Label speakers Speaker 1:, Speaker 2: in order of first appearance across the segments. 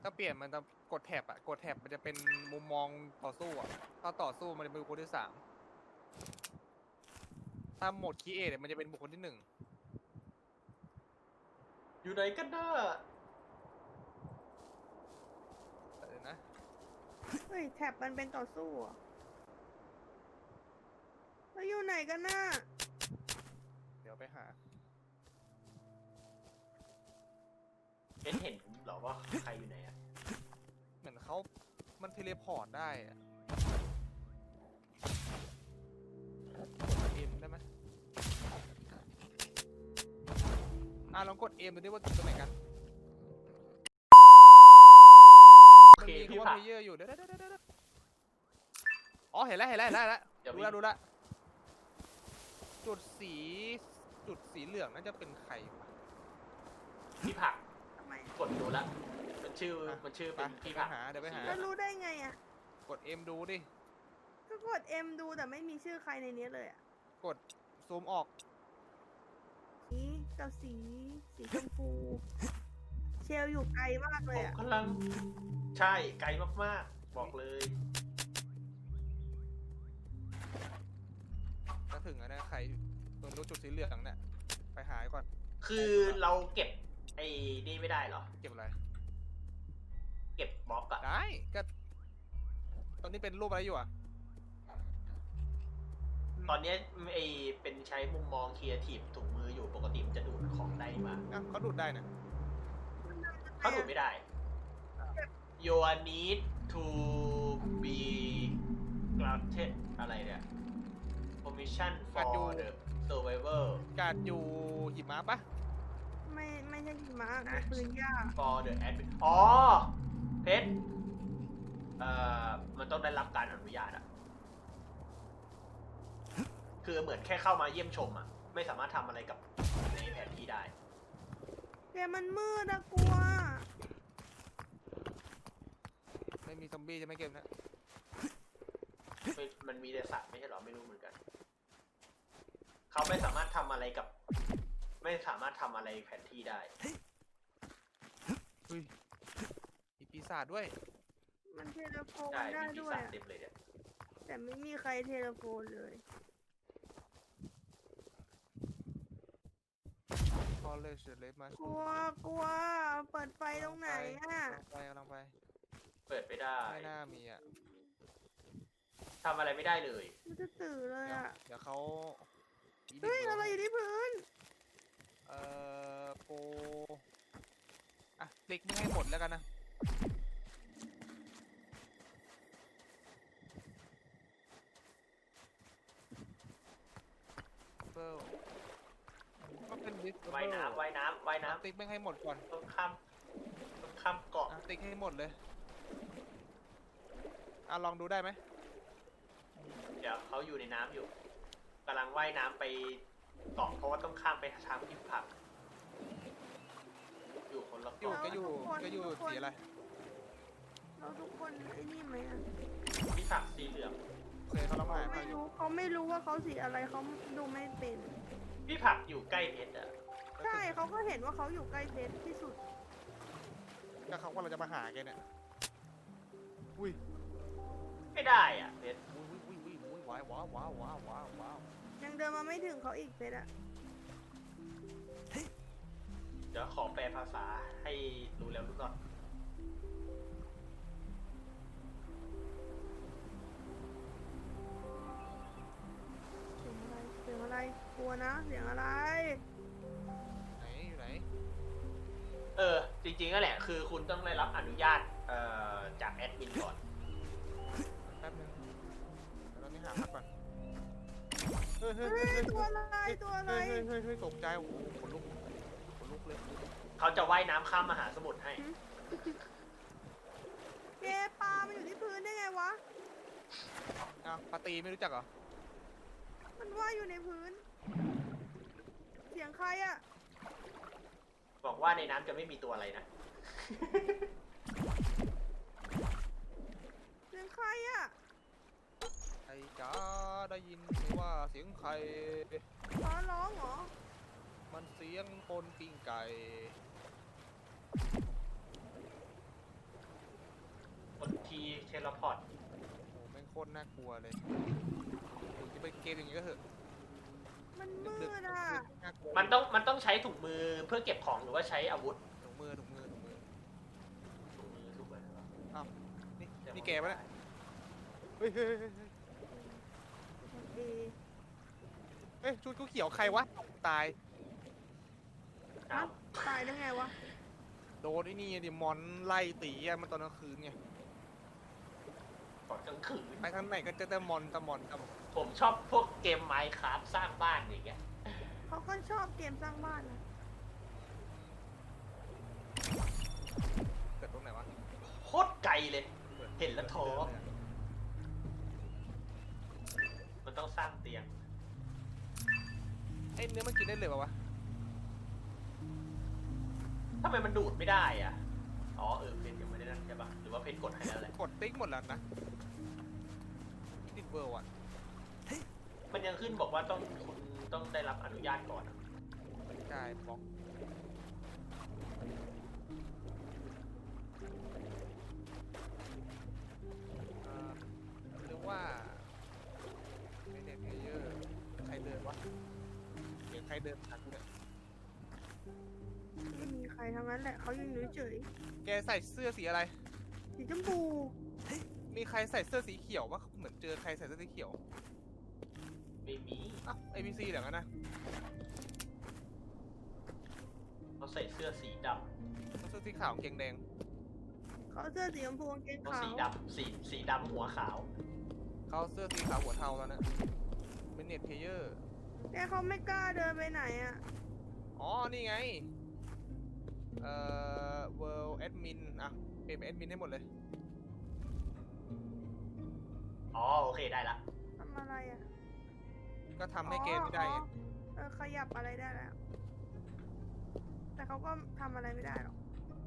Speaker 1: ถ้าเปลี่ยนมันจะกดแท็บอะกดแท็บมันจะเป็นมุมมองต่อสู้อะถ้าต่อสู้มันจะเป็นบุคคลที่3ถ้าโหมดคีเอทมันจะเป็นบุคคลที่1
Speaker 2: อยู่ไหนกันน่ะ
Speaker 1: เดี๋ยวนะ
Speaker 3: เฮ้ยแท็บมันเป็นต่อสู้เหรอแล้วอยู่ไหนกันน่ะ
Speaker 1: เดี๋ยวไปหา
Speaker 2: เห็นเหรอว่าใครอยู่ไหนอะ
Speaker 1: เหมือนเขามันเทเลพอร์ตได้อะกดเอ็มได้ไหมลองกดเอ็มดูดิว่าจุดตรงไหนกัน
Speaker 2: โอ
Speaker 1: มัน
Speaker 2: เค
Speaker 1: มี
Speaker 2: พี่
Speaker 1: คำว่า
Speaker 2: ผัก
Speaker 1: เพลเยอร์อยู่เดี๋ยวอ๋อเห็นแล้ว
Speaker 2: เดี๋ยว
Speaker 1: ดูละจุดสีเหลืองน่าจะเป็นใครวะ
Speaker 2: พี่ผัก
Speaker 3: ทำไม
Speaker 2: กดดูละมันชื่อเป็นพี่ผัก
Speaker 1: เดี๋ยวไปหา
Speaker 3: แล้วรู้ได้ไงอ่ะ
Speaker 1: กดเอ็มดูดิ
Speaker 3: ก็กด M ดูแต่ไม่มีชื่อใครในนี้เลยอ่ะ
Speaker 1: กดซูมออก
Speaker 3: นี่กับสีชมพู เชลอยู่ไกลมากเล
Speaker 2: ผ
Speaker 3: ย
Speaker 2: ม
Speaker 3: อ่ะ
Speaker 2: กำลังใช่ไกลมากๆบอกเลย
Speaker 1: จะถึงแล้วนะใครตรงจุดสีเหลืองเนี่ยไปหาก่อน
Speaker 2: คือเราเก็บไอ้นี่ไม่ได้เหรอ
Speaker 1: เก็บอะไร
Speaker 2: เก็บบล็อกอะ
Speaker 1: ได้ก็ตอนนี้เป็นรูปอะไรอยู่อ่ะ
Speaker 2: ตอนเนี้ยไอ้เป็นใช้มุมมองครีเอทีฟถุงมืออยู่ปกติมันจะดูดของได้มา
Speaker 1: เขาดูดได้นะ
Speaker 2: เขาดูดไม่ได้ You need to be granted อะไรเนี่ย permission for the survivor
Speaker 1: การอยู่หิมะปะ
Speaker 3: ไม่ใช่หิมะนะปืนยาก
Speaker 2: for the admin อ๋อเพชรมันต้องได้รับการอนุญาตอะคือเหมือนแค่เข้ามาเยี่ยมชมอะไม่สามารถทำอะไรกับในแผนที่ได้
Speaker 3: เกมมันมืดอะกลัว
Speaker 1: ไม่มีซอมบี้จะไม่เก็บนะ
Speaker 2: มันมีแต่สัตว์ไม่ใช่หรอไม่รู้เหมือนกัน เขาไม่สามารถทำอะไรกับ ไม่สามารถทำอะไรแผนที่ได้
Speaker 1: อุ้ยมีปีศาจด้วย
Speaker 3: มันเทเลโฟน
Speaker 2: ใช่
Speaker 3: ได้
Speaker 2: มีปี
Speaker 3: ด้วย
Speaker 2: ศาจ
Speaker 3: อะ
Speaker 2: เต็มเลยเนี่ย
Speaker 3: แต่ไม่มีใครเทเลโฟนเลย
Speaker 1: พอเลยเฉยเลยมาก
Speaker 3: ลัวเปิดไฟตรงไหนอะ
Speaker 1: กำลังไป
Speaker 2: เปิดไม่ได้
Speaker 1: ไม่น่ามีอ่ะ
Speaker 2: ทำอะไรไม่ได้เลย
Speaker 3: มันจะตื่นเลยอะ
Speaker 1: เดี๋ยวเขา
Speaker 3: เฮ้ยอะไรอยู่ที่พื้น
Speaker 1: โปติ๊กไม่ให้หมดแล้วกันนะเปิลก็เป็นดิส
Speaker 2: ว่ายน้ำว่ายน้ำว่ายน้
Speaker 1: ติ๊กไม่ให้หมดก่อน
Speaker 2: ำต้องข้ามเกาะ
Speaker 1: ติ๊กให้หมดเลยลองดูได้ไหม
Speaker 2: เดี๋ยวเขาอยู่ในน้ำอยู่กำลังว่ายน้ำไปเกาะเพราะว่าต้องข้ามไปทางที่ผัก อยู่คนละ
Speaker 1: อยู่
Speaker 2: เกาะ
Speaker 1: ก็อยู่สีอะไร
Speaker 3: เราทุกคนไอ้นี่ไหมอะ
Speaker 2: ที่ผักสีเหลือง
Speaker 1: โอเคเขาลอง
Speaker 3: เขา
Speaker 1: หา
Speaker 3: ไม่
Speaker 1: อยู่
Speaker 3: รู้เขาไม่รู้ว่าเขาสีอะไรเขาดูไม่เป็น
Speaker 2: พี่ผักอยู่ใกล้เพชรอะ
Speaker 3: ใช่เขาก็เห็นว่าเขาอยู่ใกล้เพชรที่สุด
Speaker 1: ก็เขาว่าเราจะมาหาแกเนี่ยอุ้ย
Speaker 2: ไม่ได้อ่ะเพชร
Speaker 1: อุ้ยว้าว
Speaker 3: ยังเดินมาไม่ถึงเขาอีกเพชรอะ
Speaker 2: เดี๋ยวขอแปลภาษาให้รู้แล้วรู้รอด
Speaker 3: เสียงอะไรกลัวนะเสียงอะไร
Speaker 1: อยู่ไหน
Speaker 2: จริงๆก็แหละคือคุณต้องได้รับอนุญาตจากแอดมินก่อน
Speaker 1: แป๊บนึงเดี๋ยวเรานี่หาพักก่อนเฮ้ย
Speaker 3: เฮ้ยตัวอะไร
Speaker 1: เฮ้ยตกใจโอ้โหขนลุกเลย
Speaker 2: เขาจะว่ายน้ำข้ามมหาสมุทรให้
Speaker 3: เกปลามันอยู่ที่พื้นได้ไงวะ
Speaker 1: ปาตีไม่รู้จักเหรอ
Speaker 3: มันว่ายอยู่ในพื้น เสียงใครอะ
Speaker 2: บอกว่าในน้ำจะไม่มีตัวอะไรนะ
Speaker 3: เสียงใครอะ
Speaker 1: ไอ้จ๋าได้ยินไหมว่าเสียงใคร
Speaker 3: ฟ้าร้องเหรอ
Speaker 1: มันเสียงคนปิ้งไก่
Speaker 2: ทีเทเลพอร์ต
Speaker 1: โอ้แม่งโคตรน่ากลัวเลยถึงจะเป็นเกมอย่างนี้ก็เถอะ
Speaker 3: มันมืดอ่ะ
Speaker 1: น่ากลัว
Speaker 2: มันต้องใช้ถุงมือเพื่อเก็บของหรือว่าใช้อาวุธ
Speaker 1: ถุงมือ
Speaker 2: ถุงมือถูกไหม
Speaker 1: อ้าวนี่แกปะเนี่ยเฮ้ยเฮ้ยเฮ้ยเฮ้ย
Speaker 3: เอ
Speaker 1: เฮ้ยชุดกูเขียวใครวะตาย
Speaker 2: อ้าว
Speaker 3: ตายได้ไงวะ
Speaker 1: โดนไอ้นี่ดิมอนไล่ตีอะมันตอนกลางคืนไง
Speaker 2: ตอนกลางคืน
Speaker 1: ไปทางไหนก็เจอแต่มอนตะมอนตะมอน
Speaker 2: ผมชอบพวกเกมไมค์คราฟสร้างบ้านอย่างเงี้ย
Speaker 3: เขาก็ชอบเกมสร้างบ้านนะ
Speaker 1: เกิดตรงไหนวะ
Speaker 2: โคตรไกลเลย เห็นแล้วท้อ มันต้องสร้างเตียง
Speaker 1: ไอ้เนื้อมันกินได้เลยปะวะ
Speaker 2: ทำไมมันดูดไม่ได้อ่ะ อ๋อเพนยังไม่ได้นั่นใช่ปะหรือว่าเพนกดให้แล้วแหละ
Speaker 1: กดติ๊กหมดแล้วนะติดเบอร์ว่ะ
Speaker 2: มันยังขึ้นบอกว่าคุณต้องได้รับอนุญาตก่อนอะ
Speaker 1: ใช่บล็อกหรือว่าไม่เน็ตเพลเยอร์ใครเดินวะเห็นใครเดินทักเนี่ย
Speaker 3: ไม่มีใครทั้งนั้นแหละเขายังอยู่เฉย
Speaker 1: แกใส่เสื้อสีอะไร
Speaker 3: สีชมพู
Speaker 1: มีใครใส่เสื้อสีเขียวปะเหมือนเจอใครใส่เสื้อสีเขียว
Speaker 2: ไม่มี
Speaker 1: อ้าว ABC เหรองั้นนะ
Speaker 2: เขาใส่เสื้อสีด
Speaker 1: เสื้อสีขาวกางเกงแดง
Speaker 3: เขาเสื้อสีชมพูกางเกง
Speaker 2: ำเขา
Speaker 3: ขาว
Speaker 2: สีดำสีดำหัวขาว
Speaker 1: เขาเสื้อสีขาวหัวเทาแล้วนะเป็นเน็ตเพลเยอร์
Speaker 3: แต่เขาไม่กล้าเดินไปไหนอ่ะ
Speaker 1: อ๋อ นี่ไง World Admin อ่ะ เปลี่ยนเป็น Admin ให้หมดเลย
Speaker 2: อ๋อโอเคได้ละ
Speaker 3: ทำอะไรอ่ะ
Speaker 1: ก็ทำให้เกมไม่ได้ไง
Speaker 3: ขยับอะไรได้แล้ว แต่เขาก็ทำอะไรไม่ได้หรอก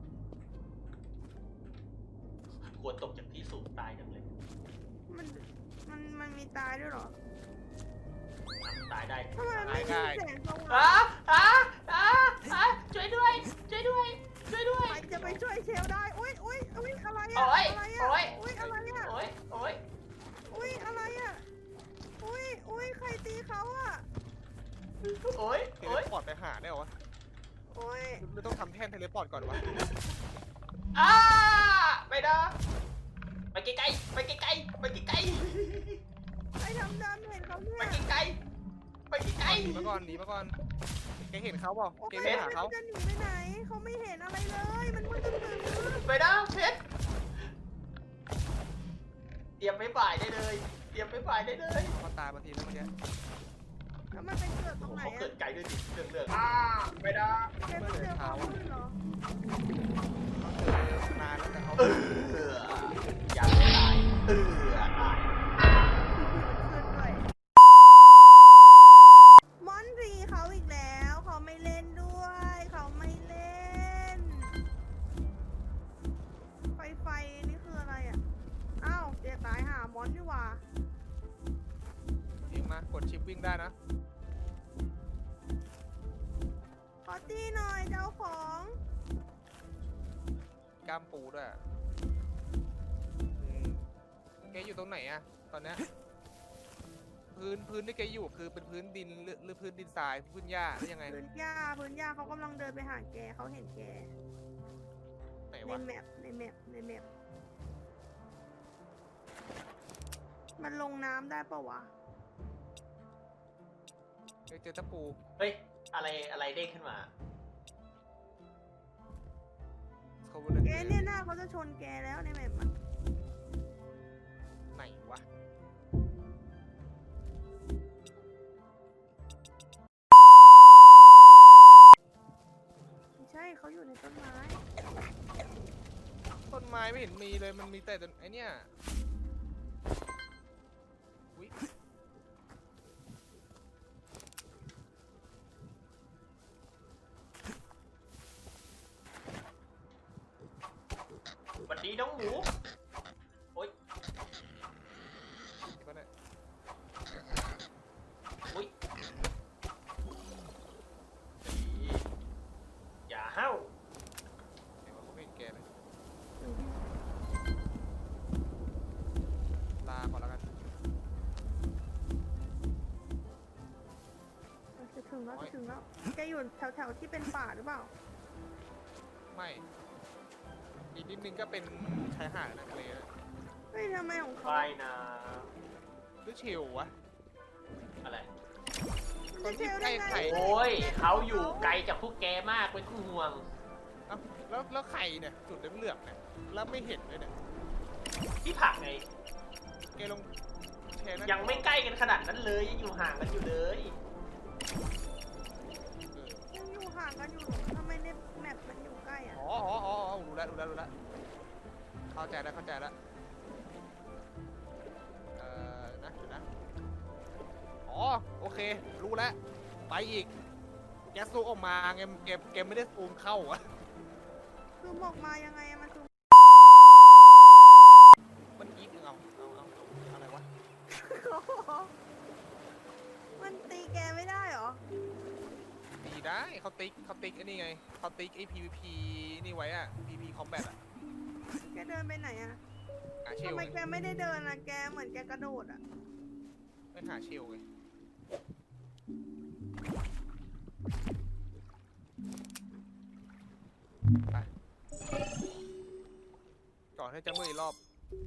Speaker 2: ควรตกจากที่สูงตายจังเลย
Speaker 3: มันมีตายด้วยเหรอ
Speaker 2: ตายได้
Speaker 3: ทำไมไม่มีแสงส
Speaker 2: อ้า
Speaker 3: ว่าง
Speaker 2: ช่วยด้วยช่วยด้วยช่วยด้วย
Speaker 3: ใครจะไปช่วยเชลได้ อุ้ยอะไรอะ
Speaker 2: โอ๊ย
Speaker 3: อะไร
Speaker 2: โอ๊
Speaker 3: อะ
Speaker 2: ย
Speaker 3: อุ้ยอะไรอะ
Speaker 2: โอ๊ยโอ๊ย
Speaker 3: อุ้ยอะไรอะอุ้ยใครตีเขาอะ
Speaker 2: โอ๊ย
Speaker 1: เท
Speaker 2: โอ๊
Speaker 1: เลย พอร์ตไปหาได้เหรอวะ
Speaker 3: อุ้ย
Speaker 1: ไม่ต้องทำแท่นเทเลพอร์ตก่อนวะ
Speaker 2: อ้าไม่ได้ไปไกลๆไปไกลๆไปไกล
Speaker 3: ไอ้ดำเห็นเขาเนี่
Speaker 2: ๆ
Speaker 3: ย
Speaker 2: ไปไกลๆไปไกล
Speaker 1: หนีมาก่อน หนีมาก่อน แกเห็นเขาเปล่า
Speaker 3: โอ้ย
Speaker 1: แกไม่หาเขา
Speaker 3: จะหนีไปไหน เขาไม่เห็นอะไรเลย มันมืดตึ๊ด
Speaker 2: ๆไปนะเพชรเตรียมไม่บ่ายได้เลย เตรียมไม่บ่ายได้เลย
Speaker 1: เขาตายบางทีแล้วเมื่อกี้
Speaker 3: แล้วมันเป็นเกิดตรงไหน
Speaker 2: เขาเกิ
Speaker 3: อะ
Speaker 2: ดไกลด้วยดิเรื่องไม่ได้
Speaker 3: แกต้องเจอความมืดเหรอ
Speaker 1: นานแล้วแต่เขา
Speaker 2: อย่าไม่ตายตาย
Speaker 3: ขึ้นด้วยมอนรีเขาอีกแล้ว เขาไม่เล่นด้วย เขาไม่เล่น ไฟนี่คืออะไรอ่ะ อ้าวเดี๋ยวตายหามอนดีกว่า
Speaker 1: ยิงมากดชิปวิ่งได้นะ
Speaker 3: ขอตีหน่อยเจ้าของ
Speaker 1: กล้ามปูด้วยแกอยู่ตรงไหนอะตอนเนี้ยพื้นที่แกอยู่คือเป็นพื้นดินหรือพื้นดินทรายพื้นหญ้าหรือยังไง
Speaker 3: พื้นหญ้าเขากำลังเดินไปหาแกเขาเห็นแก
Speaker 1: ไหน
Speaker 3: ใน
Speaker 1: วะ
Speaker 3: แมปมันลงน้ำได้ปะวะ
Speaker 1: เจอตะปู
Speaker 2: เฮ้ยอะไรเด้งขึ้นมา
Speaker 1: เขาเลย
Speaker 3: แกเนี่ยหน้าเขาจะชนแกแล้วในแมปมัน
Speaker 1: ไหนวะ
Speaker 3: ไม่ใช่เขาอยู่ในต้นไม้
Speaker 1: ต้นไม้ไม่เห็นมีเลยมันมีแต่ต้นไอเนี้ยอุ๊ย
Speaker 2: วันนี้น้องหมู โอ๊ย
Speaker 1: เดี๋ยวก่อนนะ
Speaker 2: อุ๊ยอย่าห้าว
Speaker 1: เดี๋ยวเขาไม่เห็นแกเลย
Speaker 3: อยู่แถวๆที่เป็นป่าหรือเปล่า
Speaker 1: ไม่อีกนิดนึงก็เป็นชายหาดนะทะเลนะ
Speaker 3: เฮ้ยทำไมของเขา
Speaker 2: ว่ายน้
Speaker 1: หรือเชลวะ
Speaker 2: ำอะไร
Speaker 1: คนที่ใกล้ไข่
Speaker 2: โอ้ยเขาอยู่ไกลจากพวกแกมากเป็นห่วง
Speaker 1: เอ้าแล้วไข่เนี่ยจุดเหลืองๆเนี่ยแล้วไม่เห็นเลยเนี่ย
Speaker 2: ที่ผักไง
Speaker 1: แกลงแชร์นะ
Speaker 2: ยังไม่ใกล้กันขนาดนั้นเลยยังอยู่ห่างกันอยู่เลย
Speaker 3: ยังอยู่ห่างกันอยู่ทำไมในแมปมันอยู่ใกล้อ่ะ
Speaker 1: อ๋อรู้แล้วเข้าใจแล้วนะเดี๋ยวนะอ๋อโอเครู้แล้วไปอีกแกซูมออกมาเกมไม่ได้ซูมเข้าอะ
Speaker 3: คือบอกมายังไงอะมันคือ
Speaker 1: มันอีกเอาอะไรวะ
Speaker 3: มันตีแกไม่ได้เหรอ
Speaker 1: ตีได้เขาติ๊กไอ้นี่ไงเขาติ๊กไอ้ PVP นี่ไว้อะ PVP Combat อะ
Speaker 3: แกเดินไปไหนอะ
Speaker 1: หาเช
Speaker 3: ทำ
Speaker 1: ล
Speaker 3: ไม
Speaker 1: ไง
Speaker 3: แกไม่ได้เดินอะแกเหมือนแกกระโดดอะ
Speaker 1: ไม่หาเชลไงไปก่อนที่จะมืดอีกรอบ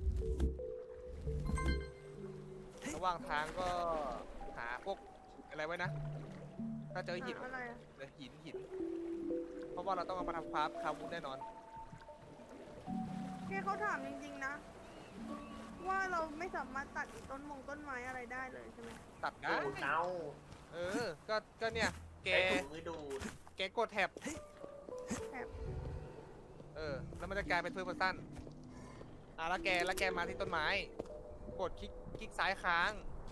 Speaker 1: ระหว่างทางก็หาพวกอะไรไว้นะ ถ้าเจอหิน
Speaker 3: อะไรอะ
Speaker 1: หิน เพราะว่าเราต้องเอามาทำคาร์บูนแน่นอน
Speaker 3: แกเขาถามจริงๆนะ ว่าเราไม่สามารถตัดอีต้นไม้อะไรได้เลยใช่ไหม
Speaker 1: ตัดได้
Speaker 2: ดูดเอา
Speaker 1: ก็เนี่ย แก
Speaker 2: ใช้ถุงมือดูด
Speaker 1: กดแท็บ
Speaker 3: แถบ
Speaker 1: แล้วมันจะกลายเป็นเฟิร์สเพอร์ซันแล้วแกมาที่ต้นไม้ กดคลิกซ้ายค้าง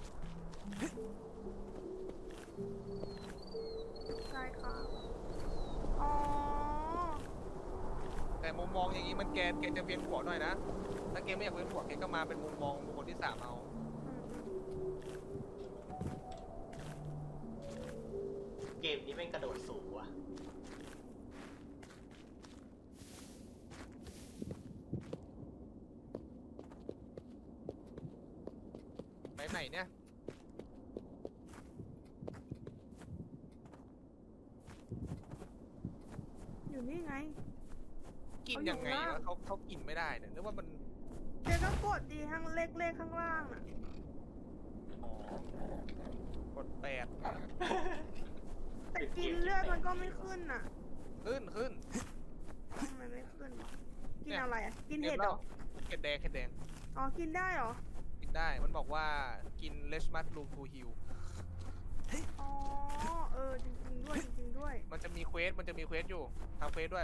Speaker 3: ใช่ค่ะอ๋อ
Speaker 1: แต่มุมมองอย่างนี้มันแกจะเวียนหัวหน่อยนะ ถ้าแกไม่อยากเวียนหัวแกก็มาเป็นมุมมองบุคคลที่สามเอา
Speaker 2: เกมนี้แม่งกระโดดสูงว่ะ
Speaker 1: ไปไหนเนี่ย
Speaker 3: อยู่นี่ไง
Speaker 1: กินยังไงวะเขากินไม่ได้เนี่ยหรือว่ามัน
Speaker 3: แกก็กดดีข้างเลขข้างล่างน่ะ
Speaker 1: กด8
Speaker 3: แต่กินเลือดมันก็ไม่ขึ้นน่ะ
Speaker 1: ขึ้น
Speaker 3: ทำไมไม่ขึ้นวะกิน
Speaker 1: เนี่ย
Speaker 3: อะไรอ่ะ กินเห็ดเหรอ
Speaker 1: เห็ดแดง
Speaker 3: อ๋อ กินได้เหรอ
Speaker 1: กินได้ มันบอกว่ากินเลชมัสลูทูฮิล
Speaker 3: อ๋อ จริงๆด้วย
Speaker 1: มันจะมีเควสอยู่ทำเควสด้วย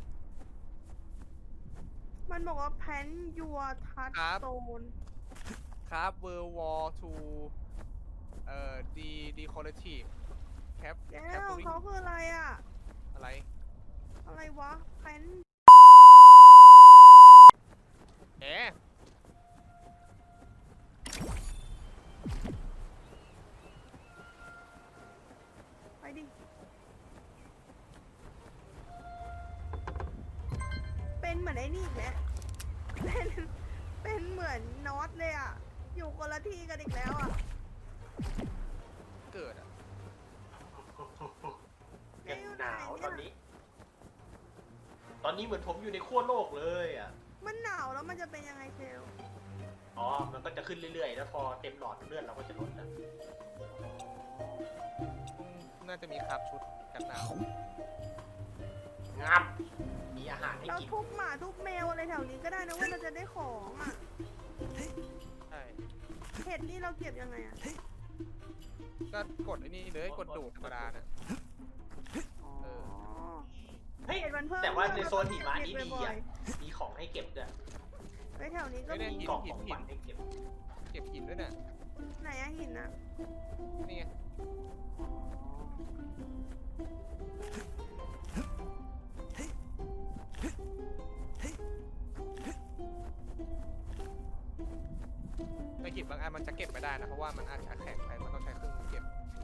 Speaker 3: มันบอกว่า pan your touch
Speaker 1: ครับ
Speaker 3: stone
Speaker 1: ครับ World War 2decorative cap
Speaker 3: แกของเขาคืออะไรอ่ะ
Speaker 1: อะไร
Speaker 3: อะไรวะ pan
Speaker 1: แหม
Speaker 3: ไปดิ เป็นเหมือนไอ้นี่อีกแล้วเป็นเหมือนน็อตเลยอ่ะ อยู่คนละที่กันอีกแล้วอ่ะ
Speaker 1: เกิดอ่ะ
Speaker 2: ยังหนาวตอนนี้ ตอนนี้เหมือนผมอยู่ในขั้วโลกเลยอ่ะ
Speaker 3: มันหนาวแล้วมันจะเป็นยังไงเชล
Speaker 2: อ๋อ มันก็จะขึ้นเรื่อยๆ แล้วพอเต็มหลอดเลือดเราก็จะลดแล้ว
Speaker 1: น่าจะมีครับชุดกันหนาว
Speaker 2: งับ มีอาหารให้
Speaker 3: เรา
Speaker 2: กิน
Speaker 3: ทุบหมาทุบแมวอะไรแถวนี้ก็ได้นะเว้ยเราจะได้ของอ่ะ
Speaker 1: ใช่
Speaker 3: เห็ดนี่เราเก็บยังไงอ่ะ
Speaker 1: ก็กดไอ้นี่เลยกดดูดธรรมดาน่ะ
Speaker 3: อ๋อ
Speaker 2: เฮ้ย
Speaker 3: เห็ดมันเพิ่ม
Speaker 2: แต่ว่าในโซนหิมะนี้
Speaker 3: เก็บ
Speaker 2: ดี
Speaker 3: บ่อ
Speaker 2: อ่ะ
Speaker 3: ย
Speaker 2: มีของให้เก็บด้วย
Speaker 3: ๆเฮ้ยแถวนี้ก็
Speaker 1: ไม่ได้
Speaker 3: มี
Speaker 1: หิน
Speaker 2: กล่องของขวัญให้เก็บ
Speaker 1: เก็บหินด้วยเนี่ย
Speaker 3: ไหนอะหินอะ
Speaker 1: นี่ไงในหินบางอันมันจะเก็บไม่ได้นะ เพราะว่ามันอาจจะแข็งไปมันต้องใช้เครื่องมือเก็บ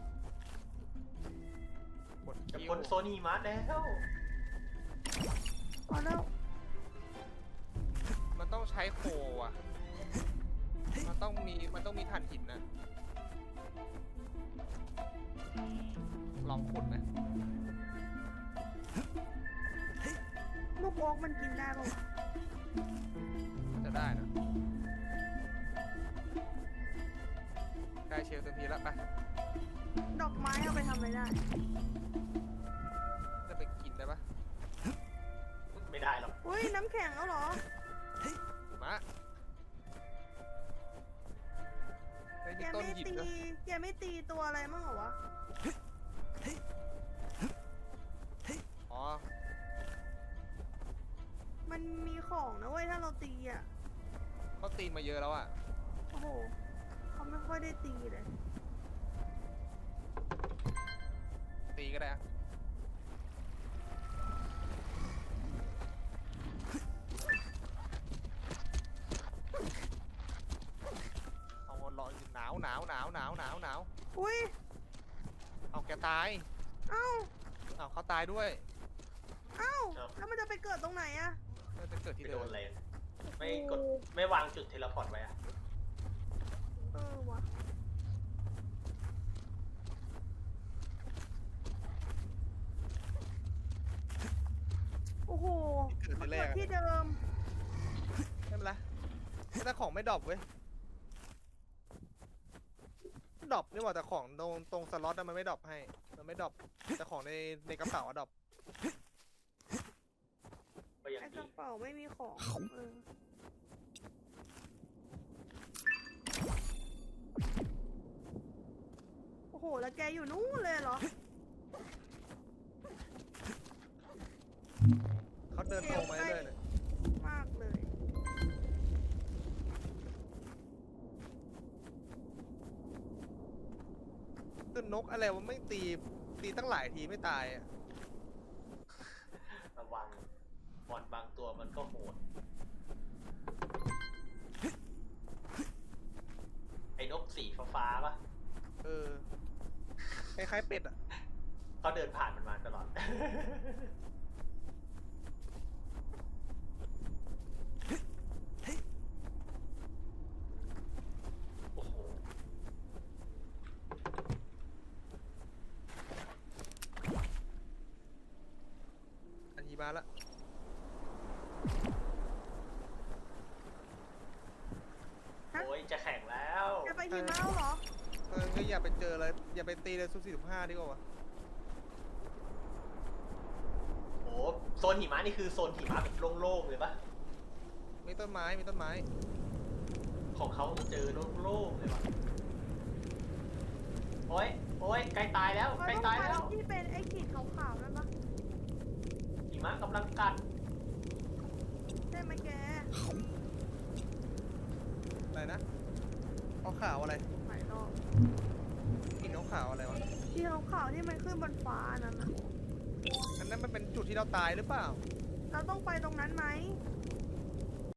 Speaker 1: กด
Speaker 2: จะ
Speaker 1: คิว
Speaker 2: พ้นโซนหิมะแล้ว
Speaker 3: พอแล้ว
Speaker 1: มันต้องใช้โคอ่ะ มันต้องมีถ่านหินนะ ลองขุดไหม
Speaker 3: โอ๊กมันกินได้ปะวะ
Speaker 1: จะได้นะใกล้เชลเต็มทีแล้วไป
Speaker 3: ดอกไม้เอาไปทำอะไรได้
Speaker 1: จะไปกินได้ปะ
Speaker 2: ไม่ได้หรอก
Speaker 3: อุ้ยน้ำแข็งแล้วเหรอ
Speaker 1: มาไอ้
Speaker 3: แก
Speaker 1: นี่ต้น
Speaker 3: ไม่
Speaker 1: หยิบ
Speaker 3: ตี
Speaker 1: นะ
Speaker 3: แกไม่ตีตัวอะไรมั่งเหรอวะ
Speaker 1: อ๋อ
Speaker 3: มันมีของนะเว้ยถ้าเราตีอ่ะ
Speaker 1: เขาตีมาเยอะแล้วอ่ะ
Speaker 3: โอ้โหเขาไม่ค่อยได้ตีเลย
Speaker 1: ตีก็ได้อะเอารอหนาวหนาวหนาวหนาวหนาวหนาว
Speaker 3: อุ้ย
Speaker 1: เอาแกตาย
Speaker 3: เอ้า
Speaker 1: เอาเขาตายด้วย
Speaker 3: เอ้า แล้วมันจะไปเกิดตรงไหนอะ
Speaker 1: มันจะเกิดที่
Speaker 2: ไม่
Speaker 1: เดิ
Speaker 2: โด
Speaker 1: ม
Speaker 2: นอะไรไม่กดไม่วางจุดเทเลพอร์ตไว้อะ
Speaker 3: เออวะโอ้โห
Speaker 1: เกิด
Speaker 3: มา
Speaker 1: ที่แร
Speaker 3: เกิ
Speaker 1: ก
Speaker 3: ด
Speaker 1: อะ
Speaker 3: ที่เดิม
Speaker 1: ไม่เป็นไรแต่ของไม่ดรอปเว้ยดรอปนี่หว่าแต่ของตรงสล็อตอะมันไม่ดรอปให้ มันไม่ดรอปแต่ของในกระเป๋าอะดรอป
Speaker 2: ก็ยัง
Speaker 3: ไอ้ก
Speaker 2: ดี
Speaker 3: ระเป๋าไม่มีของเออโอ้โห แล้วแกอยู่นู่นเลยเหรอ
Speaker 1: เขาเดินตรงมาเรื่อยๆเลย
Speaker 3: มากเลย
Speaker 1: คือนกอะไรวะไม่ตีตั้งหลายทีไม่ตายอะ
Speaker 2: ระวังบอดบางตัวมันก็โหดไอ้นกสีฟ้าๆปะ
Speaker 1: เออคล้ายๆเป็ดอะ
Speaker 2: เขาเดินผ่านมันมาตลอด โอ้โห
Speaker 1: อันนี้มาละ
Speaker 3: ฮะ
Speaker 2: โอ้ยจะแข่งแล้ว
Speaker 3: แกไปหิมะแล้วเหรอ
Speaker 1: ก็อย่าไปเจอเลยอย่าไปตีเลยซุป45ดีกว่าวะ
Speaker 2: โอ้โซนหิมะนี่คือโซนหิมะแบบโล่งๆเลยปะ
Speaker 1: มีต้นไม้มีต้นไม้
Speaker 2: ของเขาเจอโล่งๆเลยวะโอ้ยโอ้ยใกล้ตายแล้ว
Speaker 3: มัน
Speaker 2: ใกล้
Speaker 3: ต้อง
Speaker 2: ตาย
Speaker 3: ไป
Speaker 2: แล้ว
Speaker 3: ที่เป็นไอ้ขีดขาวๆนั่นปะ
Speaker 2: หิมะกำลังกัด
Speaker 3: ใช่ไหมแก
Speaker 1: อะไรนะเขาขาวอะไร
Speaker 3: หลายรอบ
Speaker 1: กินเขาขาวอะไรวะ
Speaker 3: ที่ขาวๆที่มันขึ้นบนฟ้านั่นน่ะ
Speaker 1: อันนั้นมันเป็นจุดที่เราตายหรือเปล่า
Speaker 3: เราต้องไปตรงนั้นไหม